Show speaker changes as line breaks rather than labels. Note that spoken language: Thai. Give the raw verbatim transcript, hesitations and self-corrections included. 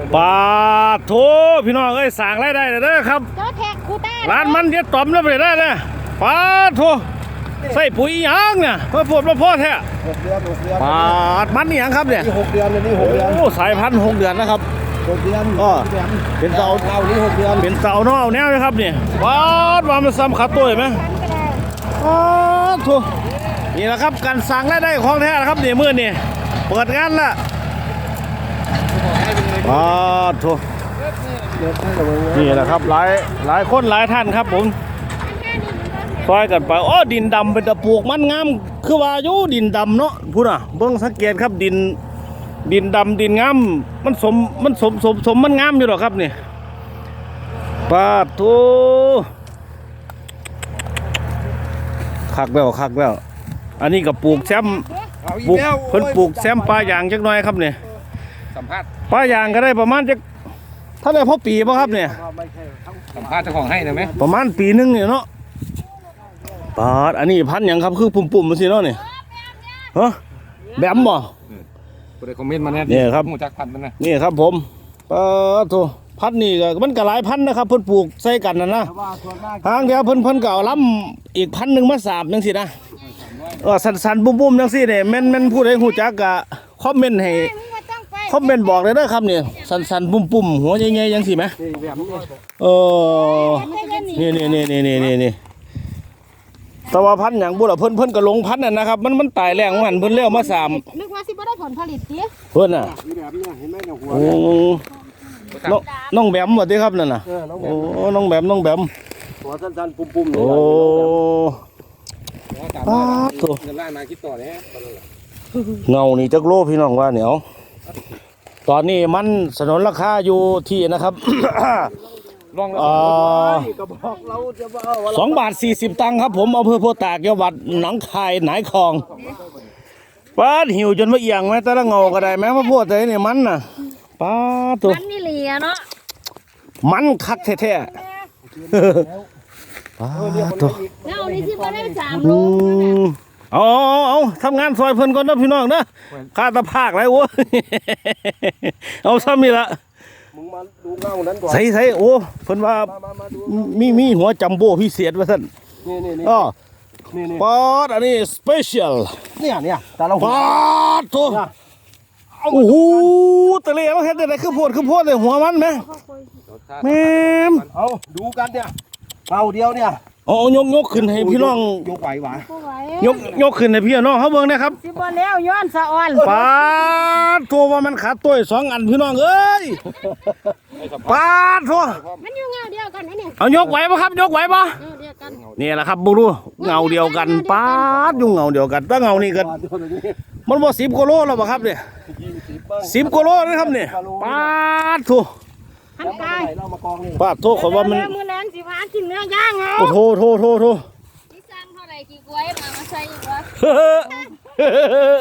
ปาโถพี่น้องเอ้ยสั่งรายได้เด้อครับ
เจ้าแท็กคูต้า
ร้านมันเย็ดต่อมแล้วไปได้เลยปาโถใส่ปุ๋ยยางเนี่ยเพื่อปวดมาพ่อแท้
หกเดือนหกเดือน
ปาดมันนี่ยังครับเนี่ย
นี่หกเดือนนี่หกเดือน
โอ้สายพันธุ์หกเดือนนะครับ
หกเดือน
ก็เป็นเสา
เอานี่หกเดือน
เป็นเสาเนาะเอาแนวนะครับเนี่ยปาดว่ามันซ้ำขาตัวไหมปาดโถนี่แหละครับการสั่งรายได้ของแท้นะครับเนี่ยมื่อนี่เปิดงานละปาดโถนี่แหละครับหลายหลายคนหลายท่านครับผมซอยกันไปอ๋อดินดำเป็นตะปลูกมันงามคือว่าอยู่ดินดำเนาะพูดอ่ะเบิ่งสังเกตครับดินดินดำดินงามมันสมมันสมสมสมมันงามอยู่หรอครับนี่ปาดโถคักแล้วคักแล้วอันนี้ก็ปลูกแซมปลูกเพิ่นปลูกแซมปลายางจักหน่อยครับเนี่ย
สัมภาษณ์
ปลายางก็ได้ประมาณจักเท่าไรพ่อปีป่ะครับเนี่ย
สัมภาษณ์เจ้าของให้ได้ไหม
ประมาณปีนึงเนี่ยเนาะปาดอันนี้พันอย่างครับคือปุ่มๆมันสิเนาะเนี่ยฮะแบมบ่
กูได้คอมเมนต์มาแน่
นี่ครับ
หมูจักพันมันนะ
นี่ครับผมปาดโถพันนี่ก็มันก็หลายพันนะครับเพิ่นปลูกใส่กันนะนะทางเดียวเพิ่นเพิ่นก็เอาล้ำอีกพันหนึ่งมาสามจังสินะเออสันๆบุ้มๆจังสิเนี่ยแม่นแม่นผู้ใดฮู้จักก็คอมเมนต์ให้คอมเมนต์บอกเลยเด้อครับเนี่ยสันๆปุ่มๆหัวใหญ่ๆจังสิไหมเออนี่นี่นี่นี่นี่นี่แต่ว่าพันอย่างบุญเพิ่นเพิ่นก็ลงพันนั่นนะครับมันมันตายแรงมันเพิ่นเลี้ยวมาสาม
นึกว่าสิบ่ได้ผลผลิตดิ
เพิ่นน่ะโอ้น้องน้องแบมว่าติครับนั่นน่ะโอ้น้องแบมน้องแบม
หัวสั้นๆปุ่มๆ
โอ้
ป้าตัวเงินไล่มาคิดต่อเนี่ย
เงานี่จักโลพี่น้องว่าเหนียวตอนนี้มันสนนราคาอยู่ที่นะครับสองบาทสี่สิบตังค์ครับผมเอาเพื่อโพตากจังหวัดหนองคายหนายคองป้าหิวจนว่าเอียงไหมแต่ละเงาก็ได้ไหมพระโพดใจเนี่ยมันน่ะป้าตัว
มันนี่เหลียเนาะ
มันคักแท้ๆป้าตัว
เงานี่สิบ่ได้สามโล
เอาเอาทำงานซอยเพิ่นก่อนนะพี่น้องนะข้าตะภาคไรโว้เอาซ้ำนี่ละ
มึงมาดูเงานั้นก่อน
ใส่ใส่โอ้เพิ่นว่ามีมีหัวจัมโบ้พิเศษว่าท่าน
นี่นี่นี่
อ๋อ
นี่นี่
ปอดอันนี้สเปเชียล
เนี่ยเนี่ยแต่เรา
ปอดตัวโอ้โหตะเลมันเฮ็ดได้คือโพดคือโพดเลยหัวมันไหมแม่ม
เอาดูกันเนี่ยเงาเดียวเนี่ย
เอายกยกขึ้นให้พี่น้อง
ยกไหวหวะ
ยกยกขึ้นให้พี่น้องเขาเบิ่งนะครับ
สิบ่แล้วย้อนสะอ่อน
ปาดตัวว่ามันขาดตัวสองอันพี่น้องเอ้ยปาดตัว
มันอยู่เงาเดียวกันนี่
เอายกไหวป่ะครับยกไหวป่ะนี่แหละครับบุรุษเงาเดียวกันปาดอยู่เงาเดียวกันถ้าเงานี่กันมันบ่สิบกิโลแล้วป่ะครับเนี่ยสิบกิโลนะครับเนี่ยปาดตัว
หันกาย
ปาดตัวขอว่ามัน
มือแรงสิพากินเนื้อย่างเหรอ
โอ้โหโทโทโท
ที่สั่งเท่าไหร่กี่กล้วยมามาใส่อีกวะ